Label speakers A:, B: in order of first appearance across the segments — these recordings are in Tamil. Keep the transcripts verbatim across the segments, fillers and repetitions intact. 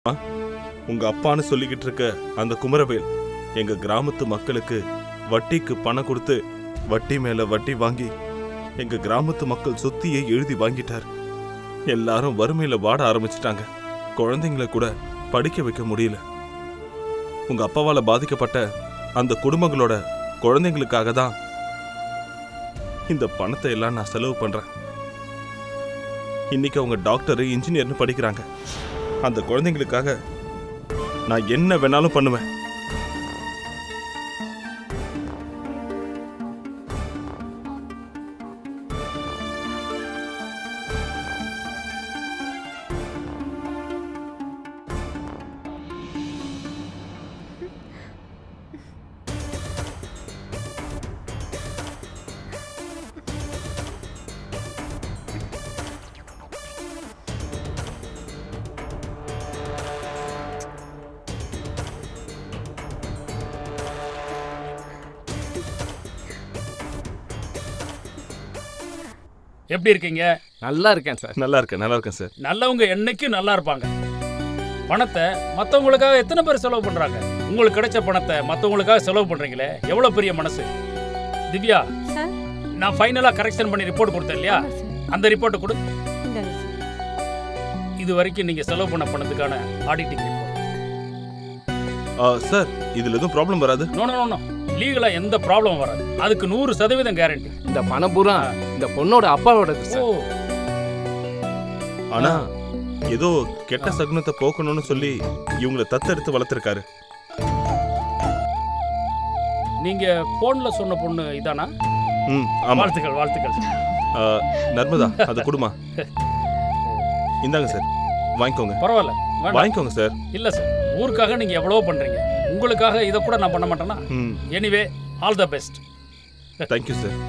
A: உங்க அப்பான்னு சொல்லிக்கிட்டு இருக்க அந்த குமரவேல் எங்க கிராமத்து மக்களுக்கு வட்டிக்கு பணம் கொடுத்து வட்டி மேல வட்டி வாங்கி எங்க கிராமத்து மக்கள் சொத்தியை எழுதி வாங்கிட்டார். எல்லாரும் வறுமையில வாட ஆரம்பிச்சிட்டாங்க. குழந்தைங்களை கூட படிக்க வைக்க முடியல. உங்க அப்பாவால பாதிக்கப்பட்ட அந்த குடும்பங்களோட குழந்தைங்களுக்காக தான் இந்த பணத்தை எல்லாம் நான் செலவு பண்றேன். இன்னைக்கு அவங்க டாக்டர் இன்ஜினியர்னு படிக்கிறாங்க. அந்த குழந்தைங்களுக்காக நான் என்ன வேணாலும் பண்ணுவேன்.
B: எப்படி இருக்கீங்க?
C: நல்லா இருக்கேன் சார்.
A: நல்லா இருக்கேன் நல்லா இருக்கேன் சார்.
B: நல்லவங்க என்னைக்கும் நல்லா இருப்பாங்க. பணத்தை மற்றவங்களுக்காக எத்தனை பேர் செலவு பண்றாங்க? உங்களுக்கு கிடைச்ச பணத்தை மற்றவங்களுக்காக செலவு பண்றீங்களே, எவ்வளவு பெரிய மனசு. திவ்யா, நான் ஃபைனலா கரெக்ஷன் பண்ணி ரிப்போர்ட் கொடுத்தேன் இல்லையா? அந்த ரிப்போர்ட்டை கொடு. இது வரைக்கும் நீங்க செலவு பண்ண பணத்துக்கான ஆடிட்டிங் ரிப்போர்ட்.
A: சார், இதுல எதுவும் ப்ராப்ளம் வராது?
B: நோ நோ நோ, லீகலா எந்த ப்ராப்ளம் வராது. அதுக்கு நூறு சதவீதம் கேரண்டி.
C: இந்த பணம் பூரா இந்த பொண்ணோட அப்பாவோடது சார்.
A: ஆனா ஏதோ கெட்ட சகுனத்தை போக்கணும்னு சொல்லி இவங்களை தத்தெடுத்து வளர்த்திருக்காரு.
B: நீங்க போன்ல சொன்ன பொண்ணு இதானா?
A: ம், ஆமா.
B: வாழ்த்துக்கள் வாழ்த்துக்கள்.
A: நர்மதா, அதை கொடுமா. இந்தாங்க சார், வாங்கிக்கோங்க.
B: பரவாயில்ல,
A: வாங்கிக்கோங்க சார்.
B: இல்ல சார், ஊருக்காக நீங்க எவ்வளவோ பண்றீங்க. உங்களுக்காக இதை கூட நான் பண்ண மாட்டேனா? Anyway, all the best.
A: Thank you sir.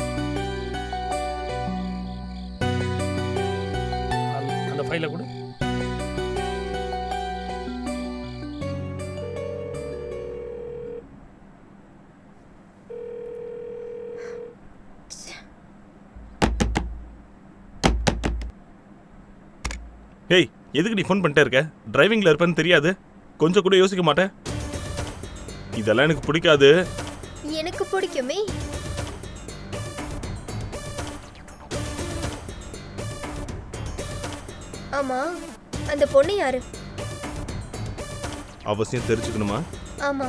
B: அந்த ஃபைலை கொடு.
A: ஏய், எதுக்கு நீ ஃபோன் பண்ணிட்டே இருக்க? டிரைவிங்ல இருப்பேன்னு தெரியாது? கொஞ்சம் கூட யோசிக்க மாட்டேன்? இதெல்லாம் எனக்கு பிடிக்காது.
D: எனக்கு பிடிக்குமே. ஆமா, அந்த பொண்ணு யாரு?
A: அவசியம் தெரிஞ்சுக்கணுமா?
D: ஆமா,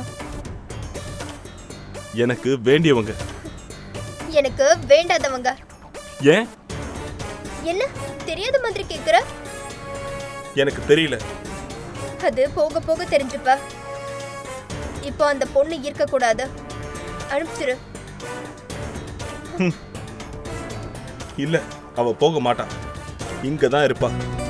A: எனக்கு வேண்டியவங்க.
D: எனக்கு வேண்டாதவங்க.
A: ஏன்?
D: என்ன தெரியாத மாதிரி கேக்குற?
A: எனக்கு தெரியல.
D: அது போக போக தெரிஞ்சுப்ப. இப்போ அந்த பொண்ணு இருக்க கூடாது. அனுப்பிச்சிரு.
A: இல்ல, அவ போக மாட்டான். இங்க தான் இருப்பா.